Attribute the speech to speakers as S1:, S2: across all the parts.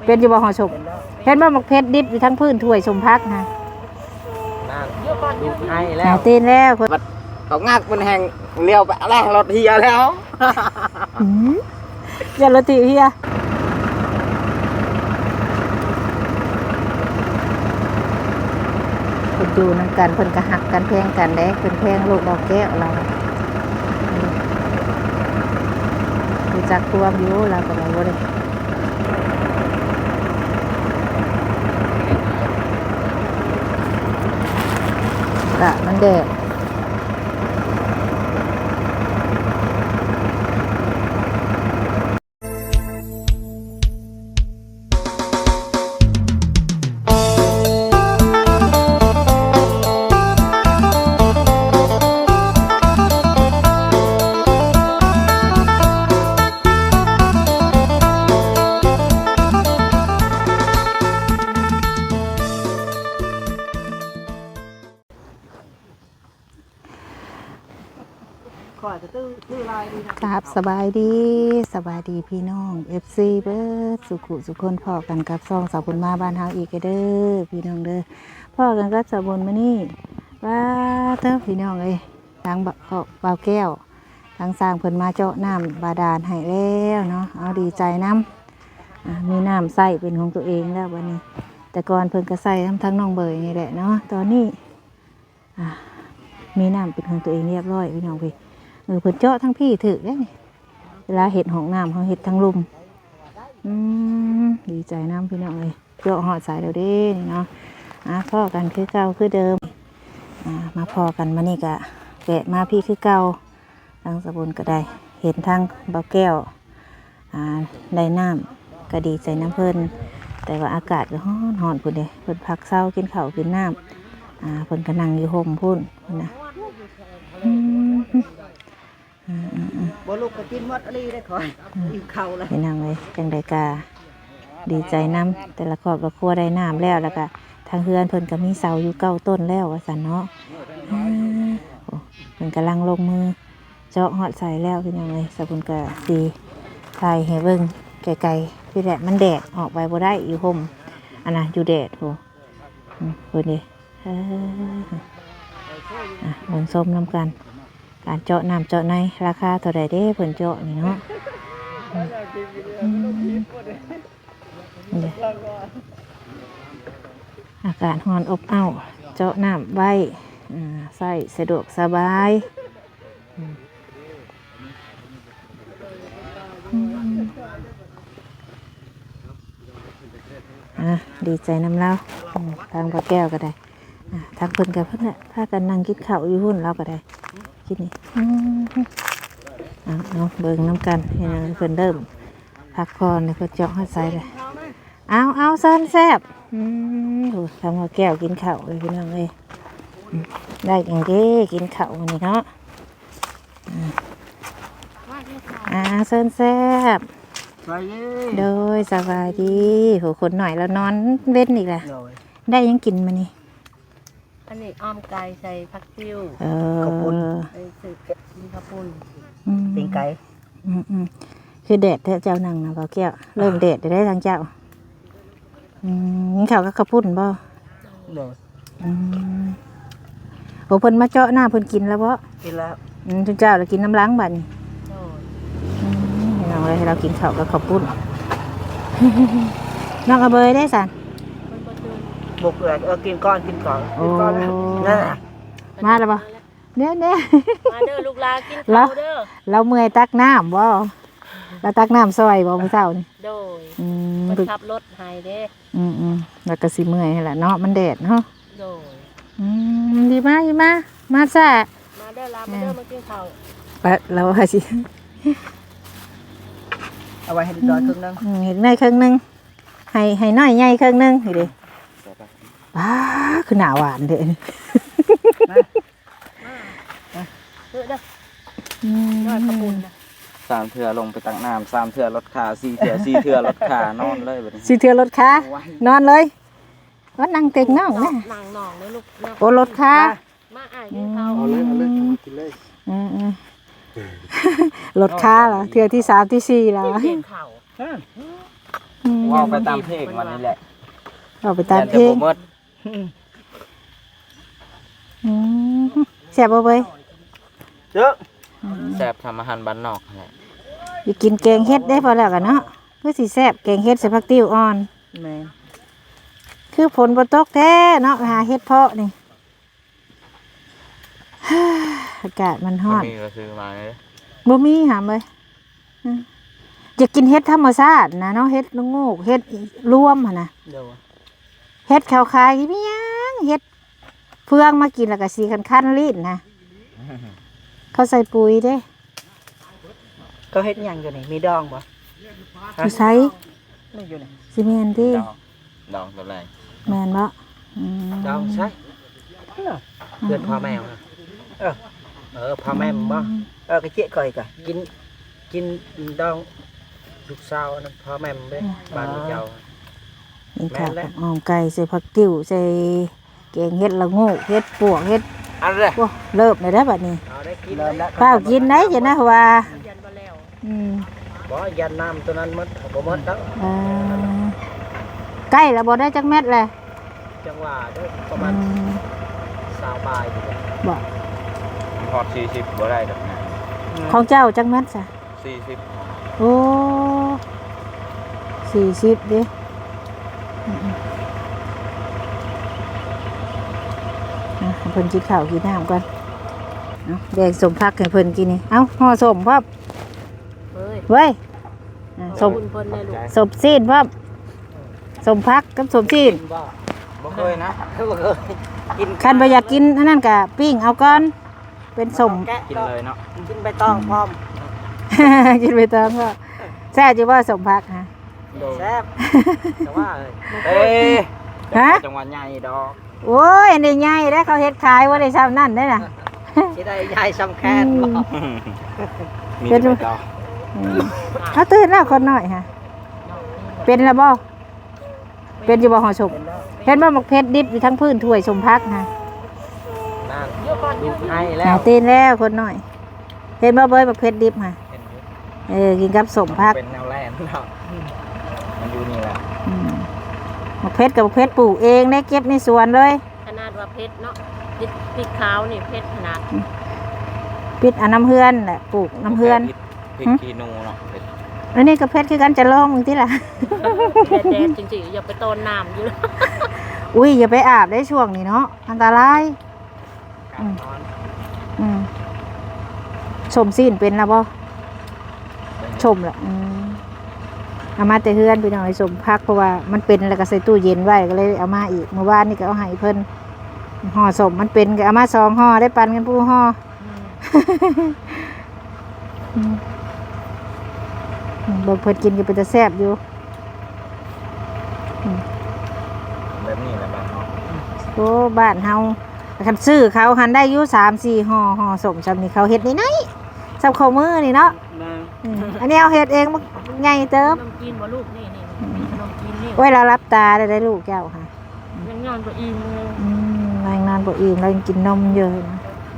S1: เป็นอยู่บ่ห่อชมเห็นบ่หมกเพชรดิบอยู่ทั้งพื้นถ้วยชมพักนะ
S2: ดูให้แล้ว
S1: ตีนแล้ว
S2: เขางักมันแห้งเลี้ยวไปแล้วรถเฮียแล้ว
S1: อย่ารถติเฮียเพิ่นอยู่นั่นกันเพิ่นก็หักกันแพงกันเด้เพิ่นแพงลูกดอกแก้วเรารู้จักความอยู่เราก็บ่ได้ละมันแดดครับสบายดีพี่น้อง FC เบิร์ดสุขุสุคนพ่อกันกับซองสาวบุญมาบ้านเฮาอีกเด้อพี่น้องเด้อพ่อกันกับสาวบุญมานี่ว่าเด้อพี่น้องเอ้ยทางบ่าวแก้วทางสร้างเพิ่นมาเจาะน้ำบาดาลให้แล้วเนาะเอาดีใจน้ำมีน้ำใส่เป็นของตัวเองแล้ววันนี้แต่ก่อนเพิ่นก็ใส่ทั้งน้องเบยนี่แหละเนาะตอนนี้มีน้ำเป็นของตัวเองเรียบร้อยพี่น้องพี่เพิ่นเจาะทั้งพี่ถือได้นี่เวลาเห็ดห้องน้ำเขาเห็ดทั้งลุมดีใจน้ำพี่น้องเลยเจาะหอดสายเดี๋ยวนี้เนาะพ่อกันคือเก่าคือเดิมมาพอกันมานี่กะแกะมาพี่คือเก่าทางสะบุญก็ได้เห็นทางเบาแก้วได้น้ำก็ดีใจน้ำเพิ่นแต่ว่าอากาศก็ร้อนพุ่นเด้เพิ่นพักเศร้ากินข้าวกินน้ำเพิ่นก็นั่งอยู่ห่มพุ่นนะ
S2: บ่ลูกก็กินหมดอะไรได้ขออิ่มเข่าเลย
S1: พี่นางเลยจังไดกาดีใจน้ำแต่ละครอบครัวได้น้ำแล้วก็ทางเฮือนเพิ่นก็มีเสาอยู่9 ต้นแล้วว่าซั่นเนาะเพิ่นกำลังลงมือเจาะหอดใส่แล้วพี่นางเลยสะบุญก็ดีถ่ายให้เบิ่งไกลๆพี่แหละมันแดดออกไปบ่ได้อยู่ห่มอันน่ะอยู่แดดโหเพิ่นดิเบิ่งส้มน้ำกันการเจาะน้ำเจาะในราคาเท่าไรเด้เพิ่นเจาะนี่เนาะอากาศร้อนอบอ้าวเจาะน้ำไว้ใส่สะดวกสบายดีใจน้ำเล่าทางพ่อแก้วก็ได้ทางเพิ่นกับเพิ่นเนี่ยพากันนั่งกินข้าวอยู่หุ่นเราก็ได้กินนี่เอาเบิ่งน้ำกันเห็นเพิ่นเริ่มพักผ่อนเลยเพิ่นเจาะหัวใจเลยเอาเส้นแซ่บดูทางพ่อแก้วกินข้าวเลยพี่น้องเลยได้อย่างเด้กินข้าววันนี้เนาะเส้นแซ่บโดยสบายดีโหคนหน่อยแล้วนอนเว้นอีกแหละได้ยังกินมานี่
S3: อันนี้อ้อมไก่ใส่ผักติ้ว
S2: ข้าวปุ้น
S3: สืบมีข้าวปุ้น
S2: ตีนไก่
S1: คือแดดเจ้านั่งนะบ่าวแก้วเริ่มแดดได้ทางเจ้านี่เขาก็ข้าวปุ้นบ่โอ้เพิ่นมาเจาะหน้าเพิ่นกินแล้วบ่
S2: กินแล้ว
S1: ทุกเจ้าเรากินน้ำล้างบัดนี่เราเลยเรากินข้าวกับข้าวปุ้นน้องกระเบยได้สัน
S2: บุกเลยกินก้อนนั่น
S1: มาแล้วบ่เนี่ย
S3: มาเด้อลูกหลานกินข้าวเด้อ
S1: เราเมื่อยตักน้ำบ่เราตักน้ำซอยบ่มื้อเช้านี่
S3: โดยมันขับรถหายเด้
S1: แล้วก็สิเมื่อยแหละเนาะมันแดดเนาะ
S3: โดย
S1: ดีมาซะ
S3: มาเด้อลามาเด้อมากินข้าว
S1: ไปเราว่าสิ
S2: เอาไว้ให้ดอยครึ่งนึง
S1: เห็นในครึ่งนึงให้น้อยใหญ่ครึ่งนึงนี่ดิคือหนาหวานเด้
S3: เด้อขบุญนะ
S2: 3 เทื่อลงไปตักน้ำ3 เทื่อรถขา4 เทื่อ4 เทื่อรถขานอนเลยแบบนี้
S1: 4 เทื่อรถขานอนเลยว่านั่งเต็งน้องนะ
S3: นั่งนองเลยลูก
S1: โอ้รถขา
S3: มาอ่านกินข้าว
S2: เอาเลยกินเลย
S1: รถขาเหรอเทื่อที่3ที่4แล้ว
S3: กินข้าว
S2: ว่าไปตามเพลงวันนี้แหละ
S1: เอาไปตามเพลง
S2: แต่บ่หมด
S1: อืมแซ่บบ่เว้ย
S2: เจ้าแซ่บทำอาหารบ้านนอกนั่นแหละ
S1: อยู่กินแกงเฮ็ดได้พอแล้วกันเนาะคือสิแซ่บแกงเฮ็ดใส่ผักติ้วอ่อน
S3: แม่น
S1: คือฝนบ่ตกแท้เนาะหาเฮ็ดเพาะนี่ อากาศมันร้อน
S2: มีก็ซื้อมาเลย
S1: บ่มีหามเลยอืมอยากกินเฮ็ดธรรมชาตินะเนาะเฮ็ดละโงกเฮ็ดรวมหั่นน่ะ
S3: เดี๋ยว
S1: เฮ็ดขาวคายมีหยังเฮ็ดเฟืองมากินแล้วก็สีคันๆลิ้นนะเขาใส่ปุ๋ยเด้
S3: ก็เฮ็ดหยังอยู่นี่มีดองบ่
S1: อยู่ไส
S3: ไม่อยู่นี่
S1: สิแม่นติ
S2: ดองตัวแรก
S1: แม่นบ่อืม
S3: ดองใช่เพื่อนพ่อแม่นะพ่อแม่มึงบ่ก็เจ๊ก่อยก็กินดองลูกสาวนั่นพ่อแม่มึงเด้บ้านเจ้า
S1: นี่ค่ะ
S3: แม่นแล้ว
S1: หอมไก่ใส่ผักติ้วใส่แกงเฮ็ดละโงกเฮ็ดปวกเฮ็ด
S2: อันเลย
S1: โอ้เริ่มเลยเด้อบัดนี้
S3: เอาได้กินแล้ว
S1: ข้าวกินได้จ้ะนะว่าอืม
S3: บ่ยันน้ำตัวนั้นหมดบ่หมดแล้ว
S1: อ่าใกล้แล้วบ่ได้จักเม็ดเลย
S3: จังหวะเด้อประ
S1: อื
S3: มาณ
S1: ม
S3: 20บาทอยู่เด้อ
S1: บ่
S2: พอด40บ่ได้ดอกนะ
S1: ของเจ้าจักเม็ดซะ
S2: 40
S1: โอ้40ดิอืมๆอ่ะให้เพิ่นกินข้าวกินน้ำก่อนเอาแบ่งสมพักให้เพิ่นกินนี่เอ้าห่อสมพร้อม
S3: เฮ้ย
S1: เว้ยอ่ะสม
S3: คุณเพิ่นได้ลูก
S1: สมซีนพร้อมสมพักกับสมซีน
S3: บ่
S2: บ่เคยนะ
S3: บ่เคยกิน
S1: คันบ่อยากกินอันนั้นก็ปิ้งเอาก่อนเป็นสม
S3: แกะ
S2: กินเลยเนาะ
S3: กินใบตองพร้อม
S1: กินไปตามก็แซ่บจีว่าสมพักฮะ
S3: แซ่บแต่ว่า
S2: เอ้ย
S1: ฮะ
S2: จังหวัดใหญ่ดอก
S1: โอ้ยอันนี้ใหญ่ได้อเขาเฮ็ดขายว่าได้ซ้ำนั่นได้อน่ะ
S3: สิได้ยายสำแคนบ่
S2: มีแต่ดอก
S1: อืมเขาตื่นแล้วคนน้อยฮะเป็นแล้วบ่เป็นอยู่บ่ห่อศพเห็นบ่หมกเพชรดิบอยู่ทั้งพื้นถ้วยสมพักฮะ
S3: นั่นดูให้แล้
S1: หาว ตื่นแล้วคนน้อย เห็นบ่เบยหมกเพชรดิบฮะ
S3: เห็นอยู่
S1: กินกับสมพัก
S2: เป็นแนวแลนเนาะมันอยู่นี่แหละ
S1: อืมหมกเพชรกับหมกเพชรปลูกเองได้เก็บในสวนเลย
S4: ขนาดว่าเพชรเนาะพริกขาวนี่เพชรขนาด
S1: ปิดอันน้ำเฮือนแหละปลูกน้ำเฮือน
S2: พริกขี้หนูเนาะ
S1: อันนี้ก็เพชรคือกันจะลองมึงที่ล่ะ
S4: แดดจริงๆอย่าไปต้นน้ำอยู่
S1: อุ้ยอย่าไปอาบได้ช่วงนี้เนาะอันตราย
S3: การนอน
S1: อืมชมซีนเป็นแล้วบ่ชมละเอามาแต่เฮือนไปหน่อยสมพักเพราะว่ามันเป็นแล้วก็ใส่ตู้เย็นไว้ก็เลยเอามาอีกเมื่อวานนี่ก็เอาให้เพิ่นห่อสมมันเป็นก็เอามา2ห่อได้ปันกันผู้ห่ออืมบ่เพิ่นกินก็เป็นตาแซ่บอยู่
S2: แบบนี้แหละบ้านเนาะ
S1: โอ้บ้านเฮาคันซื้อเขาหันได้อยู่3-4ห่อห่อสมซำนี่เขาเฮ็ดนี่ไหนซำข้าวมือนี่เนาะอันนี้เอาเฮ็ดเองมันใหญ่เติบ
S4: ขนมจีนบ่ลูกนี่มีขนมจีนนี่
S1: ไว้เรารับตาได้ลูกแก้วค่ะ
S4: ยังงานบ่อิ่มเลย
S1: รายงานบ่อิ่มเรายังกินนมเยอะนะ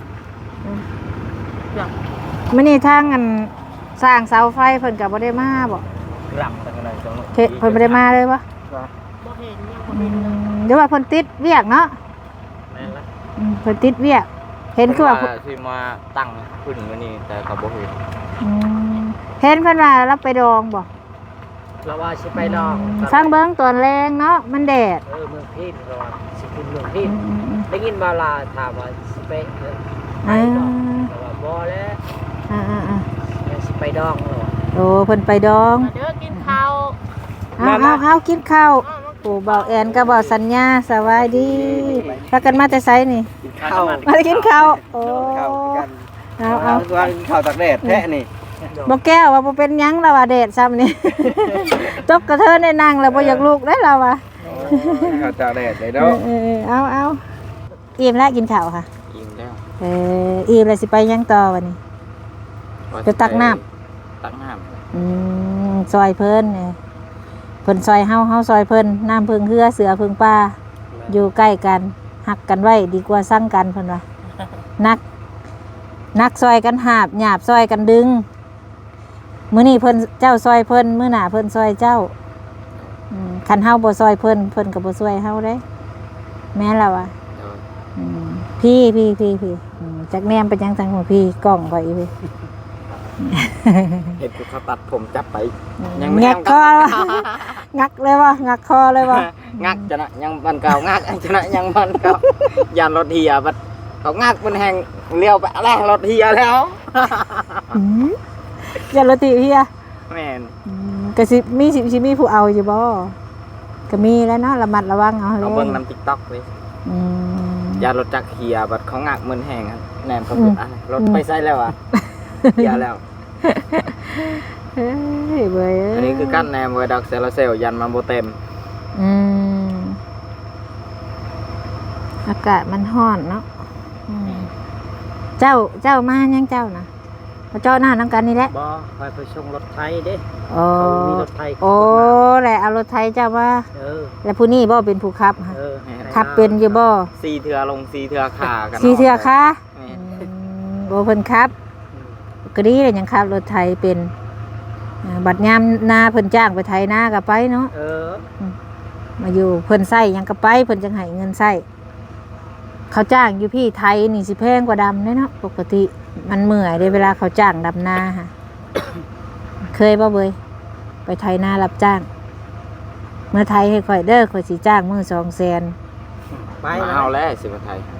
S4: อยาก
S1: มื้อนี้ทางอันสร้างเสาไฟเพิ่นก็บ่ได้มาบ่
S2: ลำตั้งแต่ตรงนู้น
S1: เพิ่นบ่ได้มาเลยบ่
S4: บ่เห็นยังบ่เห็นเลย
S1: เดี๋ยวว่าเพิ่นติดเวียกเนาะ
S3: แม่นละ
S1: เพิ่นติดเวียก เห็นคือว่า
S2: ที่มาตั้งขึ้นมื้อนี้แต่เขาบ่เห็น
S1: อืมเห็นเพิ่นว่ารับไปดองบ่
S3: เราว่าสิไปดอง
S1: ฟังเบิ่งตอนแรงเนาะมันแดด
S3: เมืองพินเราว่าสิขึ้นเมืองพินได้ยินมาลาถามว่าสิไปไปดองแต่ว่าบ่แล้ว
S1: อ่า
S3: สิไปดองเราว่า
S1: โอ้เพิ่นไปดอง
S4: มาเด้อกินข้าว
S1: เอากินข้าวปู่เบาแอนกับเบาสัญญาสวัสดีพากันมาแต่ไสนี่
S3: ข้าว
S1: มาได้กินข้าวโอ้เอา
S2: ว่าข้าวตากแดดแท้นี่
S1: บ่แก้วว่าบ่เป็นหยังแล้วว่าแดดซ้ำนี่ ตบกระเทินได้นั่งแล้วบ่อยากลุกได้แล้วว่ะ
S2: ข้าวตากแดดเลย
S1: เอ
S2: เนาะ
S1: เอาอิ่มแล้วกินข้าวค่ะ
S2: อิ่มแล้ว
S1: อิ่มแล้วสิไปยังต่อวันนี้ ไปตักน้
S2: ตักน้
S1: ซอยเพิ่นเนี่ยเพิ่นซอยเฮาซอยเพิ่นน้ำพึ่งเฮือเสือพึ่งป่าอยู่ใกล้กันหักกันไว้ดีกว่าสั่งกันเพิ่นว่านักซอยกันหาบหยาบซอยกันดึงมื้อนี้เพิ่นเจ้าซอยเพิ่นมื้อหน้าเพิ่นซอยเจ้า
S2: ำ
S1: คันเฮาบ่ซอยเพิ่นก็บ่ช่วยเฮาเด้แม่นแล้วอ่ะ
S2: โดย
S1: พี่จักแนมเป็นยังจังของพี่กล้องไปพี่
S2: เห็นเขาตัดผมจับไป
S1: งักคองักเลยวะงักคอเลยวะ
S2: งักจะนะยังบันเก่างักจะนะยังบันเก่ายานรถเฮียบัดเขางักมันแหงเลี้ยวไปแล้วรถเฮียแล้ว
S1: อย่าละติพี่อะ
S2: แม่น
S1: ก็สิมีผู้เอาอยู่บ่ก็มีแล้วเนาะระมัดระวังเอาเลย
S2: เอาเบิ่งน้ำ TikTok เลยยานรถจักรเฮียบัดเขางักมันแหงแหนมเขาพูดอะไรรถไปใส่แล้วอ่ะเฮียแล้ว
S1: เฮ้ยเว้ย
S2: อันนี้คือกั้นแนมไว้ดักเซลล์เซลล์ยันมันโบเต็ม
S1: อากาศมันร้อนเนาะเจ้ามายังเจ้านะเจ้าหน้าน้ำกันนี่แหละ
S3: บ่ไปส่งรถไทยเด้
S1: โอ้
S3: เขามีรถไทย
S1: โอ้แหละเอารถไทยเจ้ามา แล้วผู้นี้บ่เป็นผู้ขับค่ะ
S3: เออ
S1: ขับเป็นอยู่บ่
S2: ซีเถื่อลงซีเถื่อขากัน
S1: สีเทือค่ะ
S2: แม่น
S1: บ่เพิ่นครับก็ดีเลยยังขับรถไทยเป็นบัดยามนาเพิ่นจ้างไปไทยนาก็ไปเนาะ
S3: เออ
S1: มาอยู่เพิ่นใช้หยังก็ไปเพิ่นจังให้เงินใช้เขาจ้างอยู่พี่ไทยนี่สิแพงกว่าดำเนาะปกติมันเมื่อยเด้เวลาเขาจ้างดำนาค่ะ เคยบ่เบยไปไทยนารับจ้าง เมื่อไทยให้ข่อยเด้อข่อยสิจ้างมื้อ200,000
S3: ไป
S2: มาเอาแล้วสิมาไทย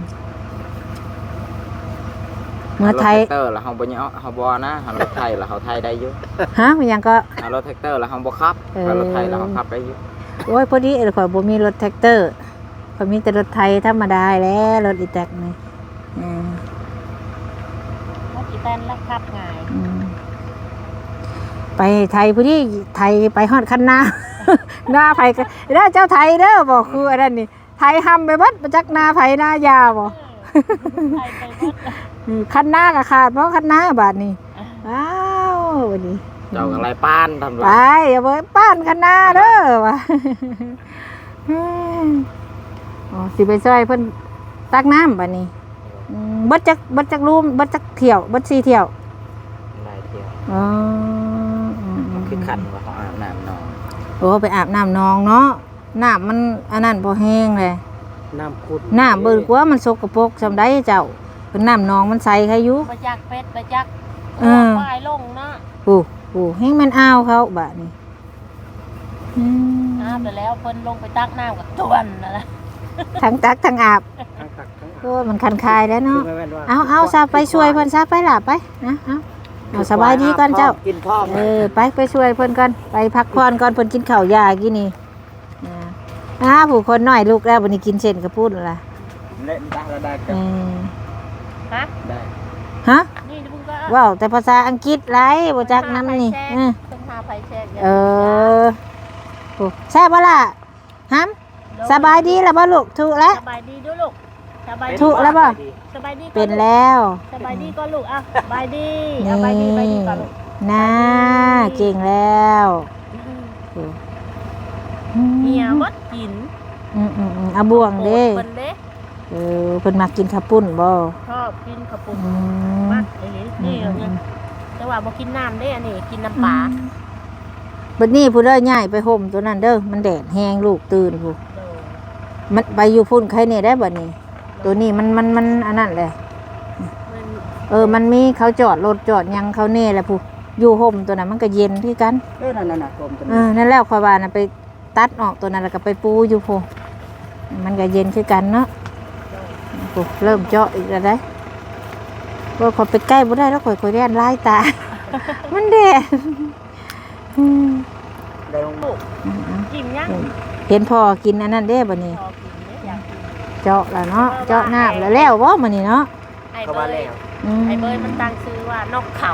S1: เมื่อไทย
S2: รถแท็กเตอร์แล้วเฮาบ่ยอเฮาบ่นะเฮารถไทยแล้วเฮาไทยได้อยู่
S1: ฮะมันยังก็
S2: เอารถแท็กเตอร์แล้วเฮาบ่ขับเอารถไทยแล้วเฮาขับได้อยู่
S1: โอ้ยพอดีข่อยบ่มีรถแท็กเตอร์ข่อยมีแต่รถไทยธรรมดาแล้วรถอีแตกนี่
S4: ว่ากี่แป้นแล้วขับง่าย
S1: ไปไทยพอดีไทยไปฮอดคันนา หน้าไผก็เด้อเจ้าไทยเด้อบอกคืออันนั้นนี่ไทยห้ำไปบัดมาจักนาไผหน้ายาบ่
S4: ไปไปหมด
S1: คันนาก็ขาดเพราะคันนาบาดนี้อ้าววันนี้
S2: เจ้าอะไรป้านทำไร
S1: ไปอย่าไปป้านคันนาเด้อว่ะอ๋อสิไปช่วยเพิ่นตักน้ำบัดนี้เบิดจักรูมเบิดจักเที่ยวเบิด4เที่ยว
S2: หลายเที่ยว
S1: อ๋อ
S2: มันคือขันว่าเขาอาบน้ำนอน
S1: โอ้ไปอาบน้ำนองเนาะน้ำมันอันนั้นพอแห้งเลย
S3: น้ำขุด
S1: น้ำเบิ่งกว่ามันสกปรกซำใดเจ้าเป็นน้ำนองมันใสใครอยู่
S4: ไปจักเป็ดไปจัก
S1: เออ
S4: ปลายลงเนาะ
S1: โอ้แห้งมันอ้าวเขาบาดนี้
S4: อาบไปแล้วเพิ่นลงไปตักน้ำกับตวนนั่นแหละ
S1: ทั้งตักทั้งอาบ
S3: ทั้งตักทั้ง
S1: โอ้มันคันคายแล้วเนาะ
S3: คือไม่แม่นว่า
S1: เอาซะไปช่วยเพิ่นซะไปล่ะไปนะเอาสบายดีก่อนเจ้า
S3: กินพ่อม
S1: ไปช่วยเพิ่นก่อนไปพักผ่อนก่อนเพิ่นกินข้าวยากินนี่ผู้คนน้อยลูกแล้ววันนี้กินเส้นกระปุ้นล่ะ
S2: เล่นได้แล้วได้
S1: เออ
S4: ฮะ
S2: ได้
S1: ฮะ
S4: นี่มึงก็
S1: ว้าวแต่ภาษาอังกฤษไรบ่จักน้ำนี่
S4: ต้องหาไฟแชก
S1: โอ้แซ่บบ่ล่ะฮัมสบายดีแล้วบ่ลูกถูกแล้ว
S4: สบายดีด้วยลูกสบายดี
S1: ถูกแล้วบ่
S4: สบายดี
S1: เป็นแล้ว
S4: สบายดีก็ลูกอ่ะสบายดีสบายดีไปดีก่อนลูก
S1: น่าเก่งแล้ว
S4: เมียวัดกิน
S1: เอาบ่วงเด้
S4: เพิ่นเด้
S1: เพิ่นมักกินข้าวปุ้นบ่
S4: ชอบกินข้าวปุ้น
S1: อืม
S4: มากนี่เนี่ยแต่ว่าบ่กินน้ำเด้อันนี้กินน้ำปลา
S1: บัดนี้ผู้เด้อย้ายไปห่มตัวนั้นเด้อมันแดดแห้งลูกตื่นผู้มันไปอยู่พุ่นใครนี่ได้บัดนี้ ตัวนี้มันอันนั้นแหละมันมีเขาจอดรถจอดหยังเขาเน่แหละผู้อยู่ห่มตัวนั้นมันก็เย็นคือกัน
S3: นั่นกลมตัว
S1: นั่นแล้วข่อยว่าน่ะไปตัดออกตัวนั้นแล้วก็ไปปูอยู่ผู้มันก็เย็นคือกันเนาะผู้เริ่มเจาะอีกแล้วได้บ่ขอยไปใกล้บ่ได้แล้วข่อยแล่นลายตา มันแดด
S3: ได้ลงลูก
S4: กินยัง
S1: เห็นพ่อกินอันนั้นเด้บัดนี้
S4: พอกินเนี่ยอยากกิน
S1: เจาะแล้วเนาะเจาะน้ำแล้วบ่มื้อนี้เนาะ
S4: ไอ้
S3: เข้า
S4: เบ
S3: มาย แล้ว
S4: ไอ้เบยมันตั้งชื่อว่านกเข่าน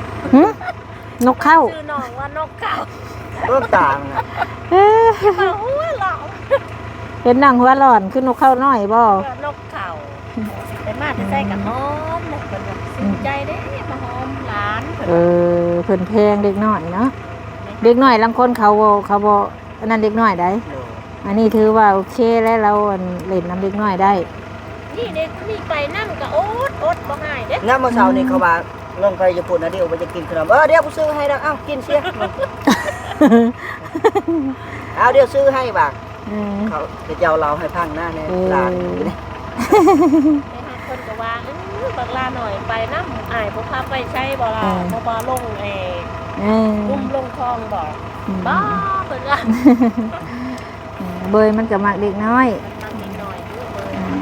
S1: กเข้า
S4: ชื่อน้องว่านกเข่า
S3: เริ่มต่างนะ
S4: มาหัวหลอก
S1: เห็นนางหัวร้อนคือนกเข้าน้อยบ่
S4: นกเข่าแต่มาจะใส่กับหอมเลยเป็นแบบสนใจเด้มาหอมหลาน
S1: เพิ่นแพงเด็กน้อยเนาะเด็กน้อยลางคนเขาบ่อันนั้นเด็กน้อยได้อันนี้ถือว่าโอเคแล้วเราเล่นน้ำเด็กน้อยได้
S4: นี่เด็กนี่ไปนั่งก็อดบ่ง่ายเด้
S3: งั้นเมื่อเช้านี่เขาว่าลงไปญี่ปุ่นนะเดี๋ยวไปจะกินขนมเดี๋ยวกูซื้อให้แล้วเอ้ากินเสียเอาเดี๋ยวซื้อให้บ่า
S1: เออ
S3: เขาจะเจ้าเราให้พังหน้าในลานอยู่นี่
S4: ไปหาคนก็ว่าบักลาหน่อยไปน้ำอ้ายบ่พาไปใช้บ่ล่ะบ่ลง
S1: เออ
S4: ลุ่มลงคลองบ่บ้าเพิ่นว่า
S1: เบยมันก็มักเด็กน้อย
S4: มันนิดหน่อยอยู่เบิ่
S1: อื
S4: ง
S1: ม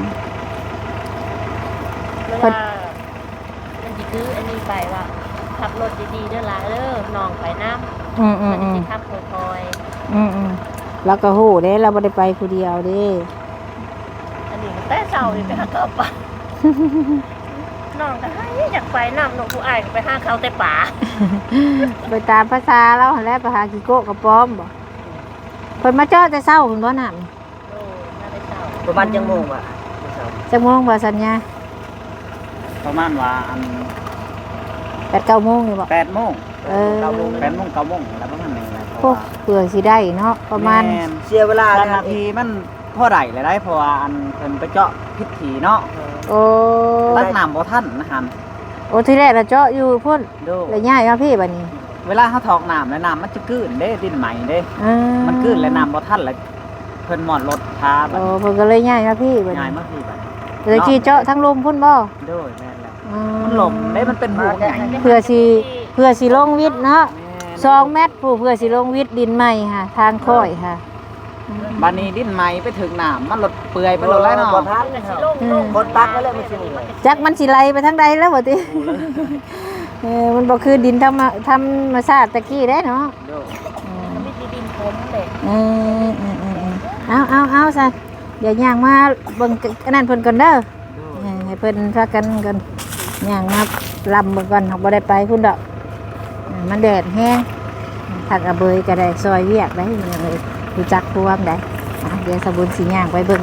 S4: เวลามันสิคืออันนี้ไปว่าขับรถดีๆเด้อล่ะเด้อน้องไปน้ำ
S1: อืม
S4: มันสิขับค่อย
S1: แล้วก็ฮู้เด้เราบ่ได้ไปผู้เดียวเด้
S4: ๆอันนี้มันแต่เช้านี่ไปหาข้าวป่าน้องก็ให้อยากไปน้ำน้องผู้อ้ายก็ไปหาข้าวแต่ป่า
S1: ไปตามภาษาเราหั่นแหละไปหากิโกะกับป้อมบ่เพิ่นมาเจอแต่เช้าเพิ่นบ่น้ำ
S4: โอ้น่าได้เช้า
S3: ประมาณจังโมงว่ะ
S1: จักโมงบ่สัญญา
S2: ประมาณว่าอัน
S1: 8-9โมงนี่บ่
S2: 8 โมง
S1: เออ
S2: 8 โมง 9 โมงแล้วประมาณนี้แหละ
S1: โอ้เผื่อสิได้เนาะประมาณ
S2: แน
S3: เสียเวลา
S2: นาทีมันพอได้เลยได้เพราะว่าอันเพิ่นไปเจาะพิธีเนาะ
S1: โอ้
S2: ตักน้ำบ่ทันนะฮัน
S1: โอ้ที่แรกเราเจาะอยู่พุ่น
S2: ดู
S1: แล้วย้ายมาพี่บัดนี้
S2: เวลาเขาถอกน้ำแล้วน้ำมันจะกืนเด้ดินใหม่เด้
S1: อ่า
S2: มันกืนแล้วน้ำบ่ทันแล้วเพิ่นหมอดรถพาบัด
S1: โอ้เพิ่นก็เลยย้ายมาพี่บัด
S2: ง่าย
S1: นี้
S2: มากพี่บัด
S1: เลยขี่เจาะทั้งลมพุ่นบ่
S2: โดยแม่นแล้ว
S1: อืม
S2: มันหลมเด้มันเป็นห่วงใหญ่
S1: เพื่อสิลงวิทย์เนาะ2 เมตรผู้เพื่อสิลงวิทย์ดินใหม่ค่ะ ทางค่อยค่ะ
S2: บัดนี้ดินใหม่ไปถึงน้ำมันหลดเปื่อยไปหลดแล้วเนาะ
S3: บ่ทัน
S4: มันก็
S3: เนาะ
S4: สิลง
S3: คนปักก็เลยมันสิเหนื่อย
S1: จักมันสิไหลไปทางใดแล้วบ่ติ มันบ่คือดินธรรมชาติตะกี้เด้เนาะ
S2: โดย
S4: มันมีดินผมเลย
S1: เอาซะเดี๋ยวย่างมาเบิ่งอันนั้นเพิ่นก่อนเด้อให้เพิ่นพากันก่อนย่างมาลำเบิ่งก่อนเฮาบ่ได้ไปพุ่นดอกมันแดดแห้งผักอะเบยก็ได้ซอยเวียกได้มันยังรู้จักพวมได้เดี๋ยวสบุญสิย่างไปเบิ่ง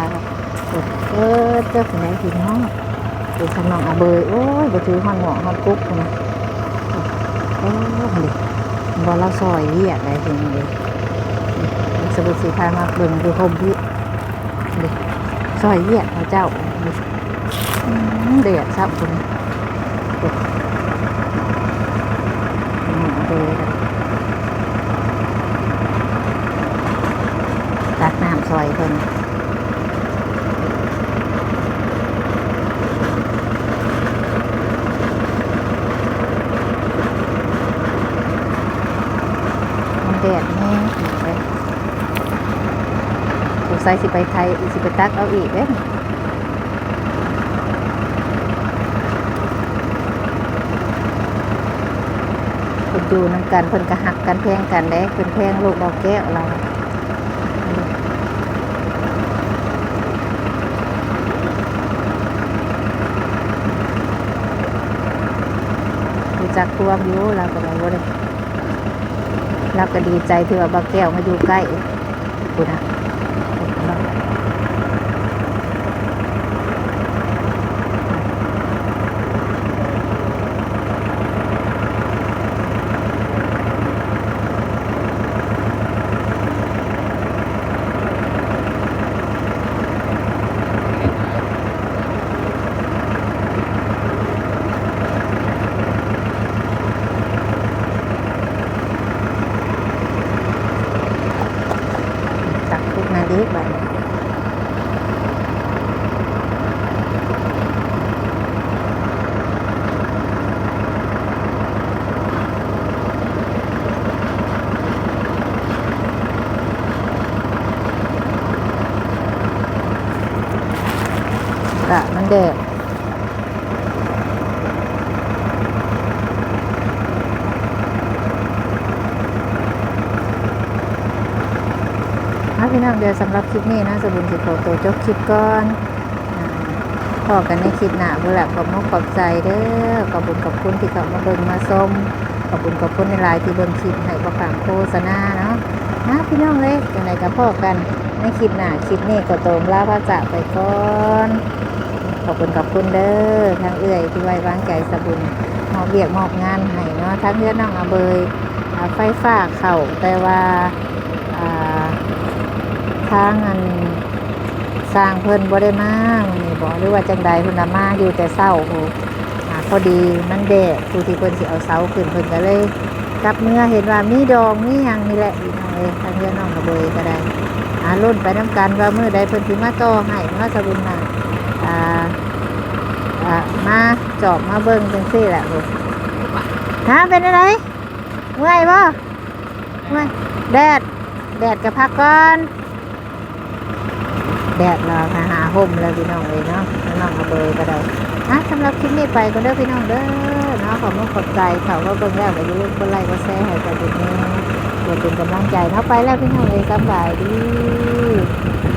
S1: เจ้าผู้ใดพี่น้องดูทางน้องอะเบยโอ้ยบ่ถือฮ้อนหม้อฮ้อนกุ๊กพุ่นนะโอ้ยบ่เราซอยเวียกได้เพิ่นเลยสบุญสิพามาเบิ่งดูโฮมพี่ซอยเวียกเขาเจ้าเดือดซับพุ่นตักน้ำซอยเพิ่นมันแดดแห้งเลยสงสัยสิไปไทยสิไปตักเอาอีกเด้เพิ่นอยู่นํกันเพิ่นก็หักกันแพงกันเด้เพิ่นแพงลูกดอกแก้วเรารู้จักความอยู่เราก็ได้บ่ได้เราก็ดีใจที่ว่าบักแก้วมาอยู่ใกล้พุ่นน่ะตักทุกนาทีบัดมันแดดพี่น้องเดี๋ยวสำหรับคลิปนี้นะสบุญสิขอตัวจบคลิปก่อนพอกันในคลิปหน้าบุหลักขอบมุกขอบใจเด้อขอบคุณที่เขามาเบิ่งมาชมขอบคุณในไลน์ที่เบิ่งคลิปให้ประฝังโฆษณาเนาะนะพี่น้องเลยจังไดกับพ่อกันในคลิปหน้าคลิปนี้ก็ตรงลาพระจากไปก่อนขอบคุณเด้อทางเอื้อยที่ไว้วางใจสบุญมอบเวียกมอบงานให้เนาะทั้งเพื่อนน้องอาเบยไฟฟ้าเข้าแต่ว่าทางอันสร้างเพิ่นบ่ได้มามื้อนี้บ่หรือว่าจังใดเพิ่นน่ะมาอยู่แต่เช้าโหพอดีมันแดดผู้ที่เพิ่นสิเอาเสาขึ้นเพิ่นก็เลยกลับเมื่อเห็นว่ามีดองมีหยังนี่แหละพี่น้องเอ้ยทางเรือน้องกระเบยก็ได้รุ่นไปน้ำกันว่ามื้อใดเพิ่นสิมาต่อให้มาสบุญมามาจอบมาเบิ่งจังซี่แหละลูกฮะเป็นอะไรเมื่อยบ่เมื่อยแดดก็พักก่อนแดดเราหาห่มเลยพี่น้องเลยเนาะน้องกระเบยก็ได้สำหรับคลิปนี้ไปก็เด้อพี่น้องเด้อเนาะขอบคุณขอบใจเขาก็เบิ่งแล้วก็อย่าลืมกดไลค์กดแชร์ให้กันด้วยเนาะเพื่อเป็นกำลังใจเนาะไปแล้วพี่น้องเลยสบายดี